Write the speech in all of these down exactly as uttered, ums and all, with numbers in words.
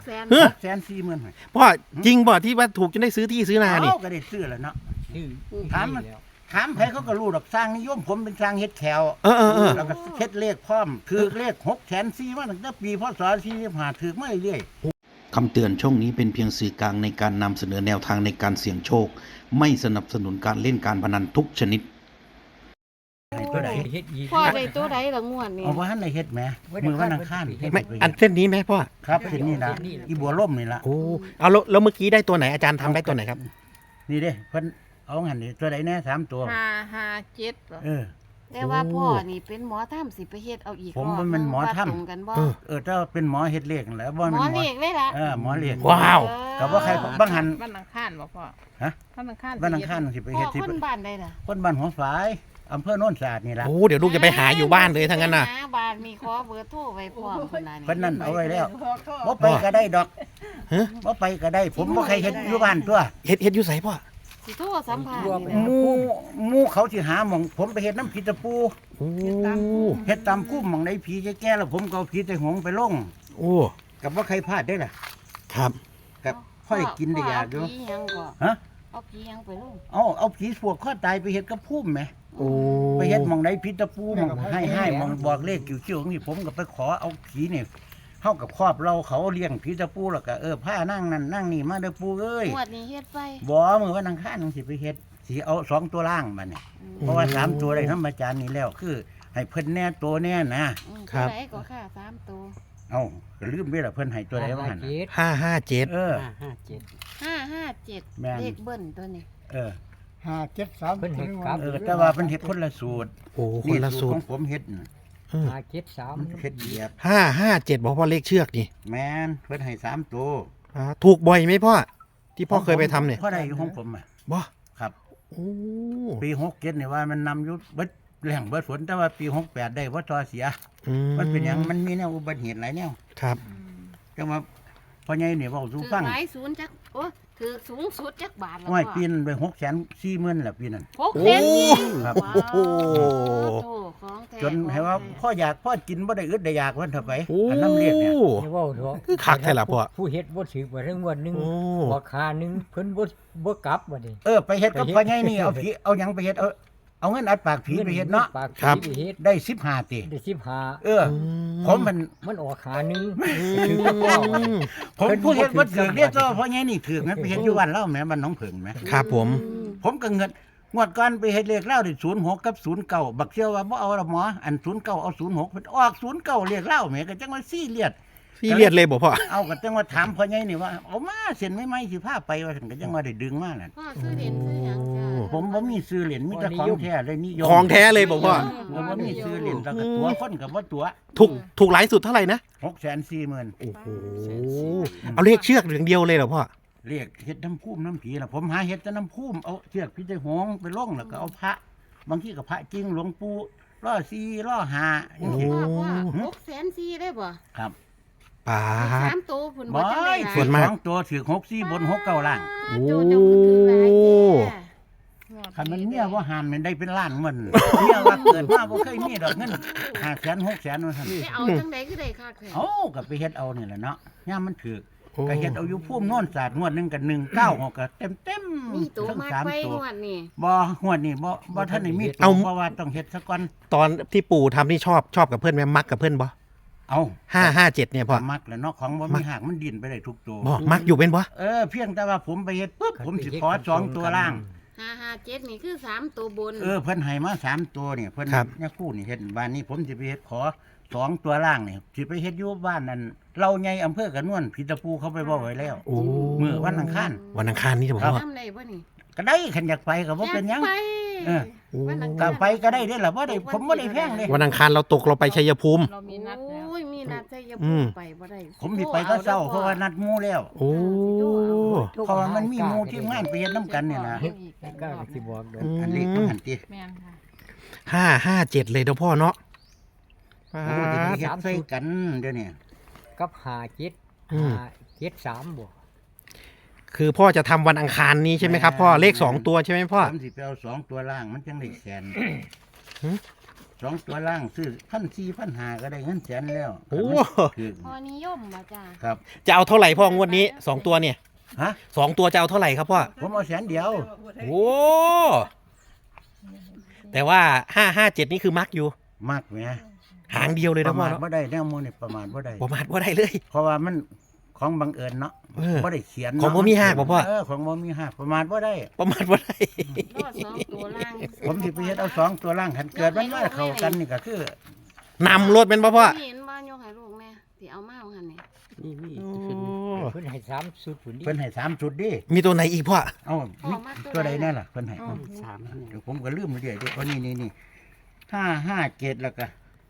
แสนเฮ้อแสนสี่หมื่นพ่อจริงบ่ที่ว่าถูกจนได้ซื้อที่ซื้อนานี่เขาก็ได้ซื้อแล้วเนาะชื่อถามมันถามใครเขาก็รู้ดอกสร้างนิยมผมเป็นสร้างเฮ็ดแถวเออเออเออแล้วก็เฮ็ดเลขพร้อมถือเลขหกแสนสี่มาตั้งแต่ปีพศสี่สิบห้าถือมาเรื่อยคำเตือนช่องนี้เป็นเพียงสื่อกลางในการนำเสนอแนวทางในการเสี่ยงโชค ไม่สนับสนุนการเล่นการพนันทุกชนิดๆให้ตัวใดเฮ็ดอีกพ่อได้ตัวใดละงวดนี่เอาว่าท่านได้เฮ็ดไหมมือวันอังคารเฮ็ดไม่ไปอันเส้นนี้ไหมพ่อครับเส้นนี้นะอีบัวล่มนี่ละโอ้เอาแล้วแล้วเมื่อกี้ได้ตัวไหนอาจารย์ทำได้ตัวไหนครับนี่เด้เพิ่นเอาหันนี่ตัวใดแน่สามตัวห้าห้าเจ็ดเหรอเออแต่ว่าพ่อนี่เป็นหมอถ้ำสิไปเฮ็ดเอาอีกผมรบบ่แม่นหมอถ้ำว่าตรงกันบ่เออเออถ้าเป็นหมอเฮ็ดเลขนั่นแหละบ่หมแม่นอหมอเลขเลยล่ะเออหมอเลขว้าวกับว่าใครบางหันวันอังคารบ่พ่อฮะวันอังคารวันอังคารสิไปพ่อเฮ็ดที่คนบ้านใดล่ะคนบ้านหัวฝายอำเภอโน่นสะอาดนี่ล่ะโอ้เดี๋ยวลูกจะไปหาอยู่บ้านเลยทั้งนั้นน่ะหาบ้านมีขอเบอร์โทรไว้พร้อมคนนั้นเพิ่นนั่นเอาไว้แล้วบ่ไปก็ได้ดอกฮะบ่ไปก็ได้ ผมบ่ใครเฮ็ดอยู่บ้านตัวเฮ็ดเฮ็ดอยู่ไสพ่อสิโทรสัมภาษณ์นี่หล่ะมู่หมู่เขาสิหาหม่องผมไปเฮ็ดน้ำผีตะปูโอ้เฮ็ดตามคู่หม่องใดผีแก่ๆแล้วผมก็เอาผีแต่หงไปลงโอ้กับบ่ใครพลาดได้ล่ะครับกับค่อยกินได้ยากอยู่พ่เผีหยังก็ฮะเอาผีหยังไปลงเอาเอาผีสวกข้อตายไปเฮ็ดกับพุ่มแหมโอ้ไปเฮ็ดหม่องใดผีตะปูหม่องให้ให้หม่องบอกเลขคิ้วๆนี่ผมก็ไปขอเอาผีนี่เฮากับครอบเราเขาเลี้ยงผีตะปูแล้วก็เออผ้านั่งนั่นนั่งนี่มาเด้อปูเอ้ยงวดนี้เฮ็ดไปบ่มื้อวันอังคารจังสิไปเฮ็ดสิเอาสองตัวล่างบัดนี้เพราะว่าสามตัวได้นำอาจารย์นี่แล้วคือให้เพิ่นแน่ตัวแน่นะอืมตัวใดก็ค่าสามตัวเอ้าก็ลืมไปละเพิ่นให้ตัวใดว่าหั่นน่ะเจ็ดห้าห้าเจ็ดเออห้าห้าเจ็ดห้าห้าเจ็ดแม่นเลขเบิ้ลตัวนี้เออห้าเจ็ดสามเพิ่นให้กลับเออแต่ว่าเพิ่นเฮ็ดคนละสูตรโอ้คนละสูตขรองผมเฮ็ดน่ะเออห้าเจ็ดสามมันเฮ็ดเหยียบห้าห้าเจ็ดบอกพ่อเลขเชือกนี่แม่นเพิ่นให้สามตัวอ่าถูกบ่อยไหมพ่อที่พ่อเคยไปทำเนี่ยพ่อได้อยู่ของผมอ่ะบ่ครับโอ้ปีหกเจ็ดนี่ว่ามันนำอยู่เบิดแหล่งเบิดฝนแต่ว่าปีหกแปดได้ว่าทอเสียอืมันเป็นหยังมันมีแนวอุบัติเหตุหลายแนวครับจังว่าพ่อใหญ่นี่เว้าสู่ถือฟังหลายศูนย์จักโอ้ถือสูงสุดจักบาทแล้วว่าพ่อปีนไปหกแสนสี่หมื่นแหละปีนั้นหกแสนนี่ครับว้าวโอ้โถของแท้จนให้ว่าพ่ออยากพ่อกินบ่ได้อึดได้อยากวันเถอะไปโอ้อันน้ำเรียกเนี่ยอย่าเว้าเถอะคือคักแท้ล่ะพ่อผู้เฮ็ดบ่ถือว่าเรื่องวันหนึงโอ้บ่คาหนึงเพิ่นบ่บ่กลับบัดนี้เออไปเฮ็ดกับพ่อใหญ่นี่เอาผีเอาหยังไปเฮ็ดเอาเอาเงินอัดปากผีไปเฮ็ดเนาะปากครับผีไปเฮ็ดได้สิบห้าตีได้สิบห้าเออ ผมมันมันออกขาหนึงอืถือว่าพ่อมผมผู้เฮ็ดบ่ถือเรียกก็พ่อใหญ่นี่ถือมันไปเฮ็ดอยู่วันเล่าแหมบ้านหนองผึ่งแหมครับผมผมก็เงินงวดก่อนไปเฮ็ดเลขเล่าได้ศูนย์หกกับศูนย์เก้าบักเชื่อว่าบ่เอาละหมออันศูนย์เก้าเอาศูนย์หกเพิ่นออกศูนย์เก้าเลขเล่าแหมก็จังว่าซี่เลียดพี่เลียดเลยบอกพ่อเอาก็จังว่าถามพ่อใหญ่นี่ว่าเอามาเส้นไม่ไหมสิพาไปว่าซั่นก็จังว่าได้ดึงมานั่นพ่อซื้อเหรียญซื้อหยังจ้าผมบ่มีซื้อเหรียญมีแต่ของแท้เลยนิยมของแท้เลยบอกพ่อผมบ่มีซื้อเหรียญแล้วก็ตัวคนก็บ่ตัวถูกถูกหลายสุดเท่าไหร่นะหกแสนสี่หมื่นโอ้โหเอาเลขเชือกอย่างเดียวเลยเหรอพ่อเรียกเฮ็ดน้ำพุ่มน้ำผีล่ะผมหาเฮ็ดแต่น้ำพุ่มเอาเชือกพี่ไตหงไปลงแล้วก็เอาพระ บางทีก็พระจริงหลวงปู่ล่อซีล่อหาจังซี่พ่อพ่อหกแสนสี่ได้บ่ครับป่าสามตัวผุนบ่บ่จังได้หลายส่วนมากสองตัวถือหกสี่บนหกเก้าล่างโอ้โจเจ้าคือถือหลายแท้คันมันเมียว่าหามมันได้เป็นล้านมันเมียว่าเกิดมาบ่เคยมีดอกเงินห้าแสนหกแสนว่าซั่นไปเอาจังไดคือได้คักแท้เอ้าก็ไปเฮ็ดเอานี่แหละเนาะยามมันถือโอ้ก็เฮ็ดเอาอยู่พุ่มโน่นศาสตร์งวดหนึงกับหนึ่งเก้าหกก็เต็มเต็มๆมีตัวทั้งมากสามไปตัวงวดนี่บ่งวดนี้บ่บ่ท่านได้มีตัเอาวเพราะว่าต้องเฮ็ดซะก่อนตอนที่ปู่ทำนี่ชอบชอบกับเพื่อนไหมมักกับเพื่อนบ่เอาห้าห้าเจ็ดเนี่ยพ่อมักแหล้วเนาะของบ่มีหากมันดิ้นไปได้ทุกตัวบ่มักอยู่เป็นบ่เออเพียงแต่ว่าผมไปเฮ็ดปุ๊บผมสิขอสองตัวล่างห้าห้าเจ็ดนี่คือสามตัวบนเออเพิ่นให้มาสามตัวเนี่ยเพิ่นเนี่ยคู่นี่เฮ็ดบ้านนี้ผมสิไปเฮ็ดขอสองตัวล่างนี่สิไปเฮ็ดอยู่บ้านนั่นเราใหญ่อำเภอกระนวนพิตะปูเขาไปบอกไว้แล้วโอ้มื้อวันอังคารวันอังคารนี่จะบอกครับพ่อทำได้บ่นี่ก็ได้คันอยากไปก็บ่เป็นหยังอยากไปเออวันอังก็คารไปก็ได้เด้อล่ะบ่ได้ผมบ่ได้แพงเด้วันอังคารเราตกเราไปชัยภูมิเรามีนัดแล้วโอ้ยมีนัดใจยอืภูมไปบ่ได้ผมสิไปก็เช้าเพราะว่านัดหมู่แล้วโอ้เพราะว่ามันมีหมู่ที่งานไปเฮ็ดนํกันนี่นะไม่กล้าสิบอกดอกอันเล็กมันหันติแม่นค่ะห้าห้าเจ็ดเลยเด้อพ่อเนาะปาโอ้สิไปดเฮ็ดใส่กันเดี๋ยวนี้กับห้าเจ็ดอืมห้าเจ็ดสามบ่คือพ่อจะทำวันอังคารนี้ใช่ไหมครับพ่อเลขสองตัวใช่ไหมพ่อผมสิไปเอาสองตัวล่างมันจังได้แสนสองตัวล่างซื้อพันสี่พันห้าก็ได้เงินแสนแล้วโอ้คือพอนิยมบ่จ้าครับจะเอาเท่าไหร่พ่องวดนี้สองตัวเนี่ยฮะสองตัวจะเอาเท่าไหร่ครับพ่อผมเอาแสนเดียวโอ้แต่ว่าห้าห้าเจ็ดนี่คือมักอยู่มากไหมหางเดียวเลยปนะระพ่อมาทเนาะว่าได้แนวมูนี่ประมาทว่าได้ประมาทว่าได้เลยเพราะว่ามันของบังเอิญเนาะเออว่าได้เขียนของบ่มีหักบ่พ่อเออของบ่มีหักประมาทว่าได้ประมาทว่าได้รอดสองตัวล่างผมสิไปเฮ็ดเอาสองตัวล่างขันเกิดมันมาเข้ากันนี่ก็คือนำรถเป็นป่ะพ่อเห็นบ้านยกให้ลูกแม่ที่เอามาเอาหันนี่นี่นี่โอ้เพิ่นให้สามสุดพุ่นนี่เพิ่นให้สามจุดดิมีตัวไหนอีกพ่อเอ้าพ่อมีมาตัวใดแน่ล่ะเพิ่นให้อืมสามเดี๋ยวผมก็ลืมเรื่อยๆเด้โอ้นี่นี่นี่ห้าห้าเจ็ดแล้วก็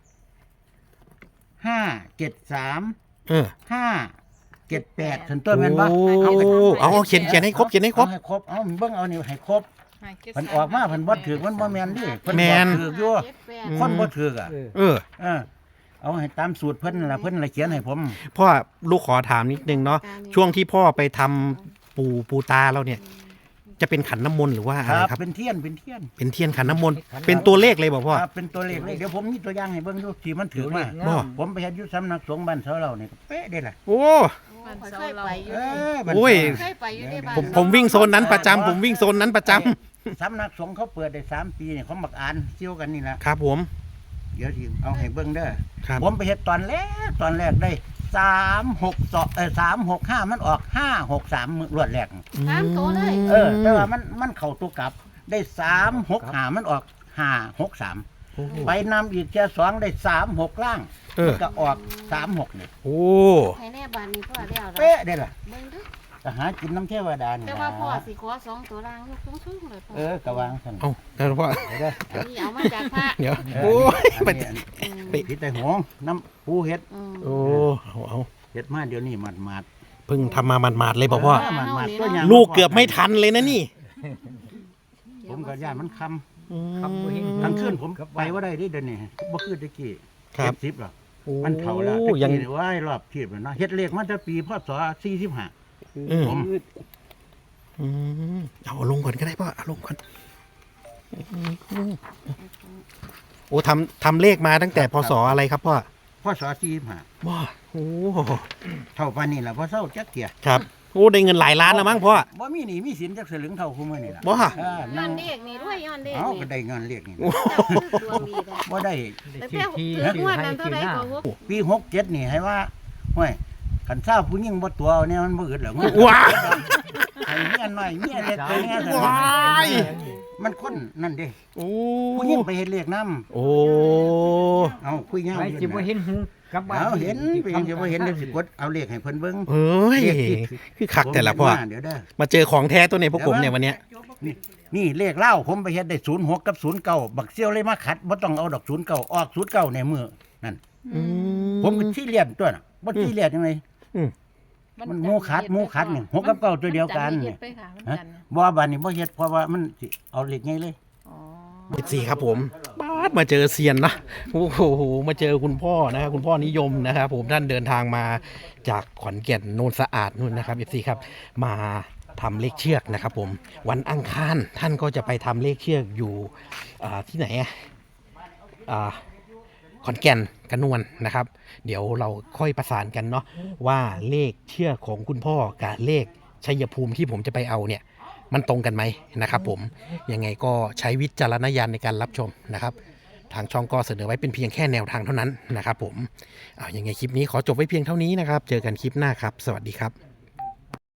ห้าเจ็ดสามเออห้าเจ็ดแปดถึงต้นแม่นบ่โอ้เอาไปเอาเอาเขียนเขียนให้ครบเขียนให้ครบเอาให้ครบเอาเบิ่งเอานี่ให้ครบเพิ่นออกมาเพิ่นบ่ถือมันบ่แม่นดิเพิ่นแม่บ่นถืออยู่เจ็ดแปดคนบ่ถืออ่ะเออเออเออเอาให้ตามสูตรเพิ่นนั่นล่ะเพิ่นละเขียนให้ผมพ่อลูกขอถามนิดนึงเนาะช่วงที่พ่อไปทำปูปูตาเราเนี่ย จะเป็นขันน้ำมนต์หรือว่าคอะไรรับครับเป็นเทียนเป็นเทียนเป็นเทียนขันน้ำมนต์เป็นตัวเลขเลยบอกพ่อครับเป็นตัวเลขเลยเดี๋ยวผมมีตัวอย่างให้เบิ่งดูที่มันถือมาบ่ผมไปเฮ็ดอยู่สำนักสงฆ์บ้านเสาเรานี่ก็เป๊ะเด้ล่ะโอ้มันเคยไปอยู่เอดิอบ้านโอ้ยเคยไปอยู่ในบ้านผมผมวิ่งโซนนั้นประจำผมวิ่งโซนนั้นประจำสำนักสงฆ์เขาเปิดได้สามปีนี่เขามักอ่านเชี่ยวกันนี่ล่ะครับผมเดี๋ยวสิเอาให้เบิ่งเด้อครับผมไปเฮ็ดตอนแรกตอนแรกได้สามหกสองเออสามหกห้ามันออกห้าหกสามรวดแรกสามตัวเลยเออ แต่ว่ามันมันเข้าตัวกลับ ได้สามหกห้ามันออกห้าหกสามโอ้โหไปนำอีกแค่สองได้สามหกล่างเออมันก็ออกสามหกนี่โอ้ให้แน่บ้านนี้พ่อแล้วล่ะเป๊ะได้ล่ะเบิ่งเด้อก็หากินน้ำเทวดานี่แต่ล่ะว่าพ่อสิขอสองตัวล่างยกสูงๆเลยพ่อเออกระวางสั่นเอาแล้วพ่อเด้ออันนี้เอามาจากพระเดี๋ยวเออโอ้ยอันไปนี้อันนี้อืมไปพิษแต่หงน้ำปูเฮ็ดอืมโอ้เอาเอาเฮ็ดมาเดี๋ยวนี้หมัดหมัดเพิ่งทำมาหมาดๆเลยบอกพ่อหมัดหมัดตัวอย่างลูกเกือบไม่ทันเลยนะนี่ผมก็ย่านมันคอืมำทั้งคืนผมไปว่าได้เดิเดี๋ยวนี้บ่คือตะกี้ครับเจ็ดสิบหรอกโอ้มันเฒ่าแล้วตะยังกี้นี่ว่ายรอบเทียบแล้วเนาะเฮ็ดเลขมาตั้งปีพศสี่สิบห้าอืมผมอืมเอาลงก่อนก็ได้พ่อเอาลงก่อนอืมโอ้ทำทำเลขมาตั้งแต่พศอะไรครับพ่อพศสี่สิบห้าว้าโอ้เท่าปานนี้ล่ะบ่เศร้าจักเที่ยครับโอ้ได้เงินหลายล้านแล้วมั้งพ่อบ่มีหนี้มีสินจักสลึงเท่าคุมื้อนี่ล่ะว้าเออย้นั่อง นเด็กนี่ด้วยย้อนเด็กเอานี่ก็ได้เงินเลขนี่เจ้าคือดวงดีเลยบ่ได้แต่เจ้าถืองวดนั้นเท่าไหร่ก็หกปีหกเจ็ดนี่ให้ว่าห้วยคันทราบผู้หญิงบ่ตัวเอาเนี่ยมันบ่อึดหรอกมันว้าให้เมียน้อยเมียเล็กตัวเนี้ยว้ายมันคนนั่นเด้โอ้ผู้หญิงไปเฮ็ดเลขนำโอ้เอาคุยยาวไปอยู่สิบ่นะเห็นหูกลับบ้านเอาเห็นไปเห็นจะบ่เห็นเดี๋ยวสิกดเอาเลขให้เพิ่นเบิ่งเฮ้ยเลขที่คือขักแต่ละพ่อผมเห็นมาเดี๋ยวเด้อมาเจอของแท้ตัวในพวกผมเนี่ยวันเนี้ยนี่นี่เลขเล่าผมไปเฮ็ดได้ศูนย์หกกับศูนย์เก้าบักเซี่ยวเลยมาขัดบ่ต้องเอาดอกศูนย์เก้าออกศูนย์เก้าในมือนั่นอืผมก็ที่เลียนตัวน่ะบ่ที่เลียนยังไงอืมมันหมูขัดหมูขัดนี่หกกับเก้าตัวเดียวกันมันี่จัดละเอียดไปค่ะมันฮะจันทร์นะบ่บานนี้บ่เฮ็ดเพราะว่ามันสิเอาเลขไงเลยอ๋อเจ็ดสี่ครับผมบาดมาเจอเซียนนะโอ้โหมาเจอคุณพ่อนะครับคุณพ่อนิยมนะครับผมท่านเดินทางมาจากขอนแก่นโนนสะอาดนู่นนะครับเอฟซีครับมาทำเลขเชือกนะครับผมวันอังคารท่านก็จะไปทำเลขเชือกอยู่อ่าที่ไหนอะอ่าขอนแก่นกระนวลนะครับ เดี๋ยวเราค่อยประสานกันเนาะว่าเลขเชือกของคุณพ่อกับเลขชัยภูมิที่ผมจะไปเอาเนี่ยมันตรงกันไหมนะครับผมยังไงก็ใช้วิจารณญาณในการรับชมนะครับทางช่องก็เสนอไว้เป็นเพียงแค่แนวทางเท่านั้นนะครับผมเอายังไงคลิปนี้ขอจบไว้เพียงเท่านี้นะครับเจอกันคลิปหน้าครับสวัสดีครับ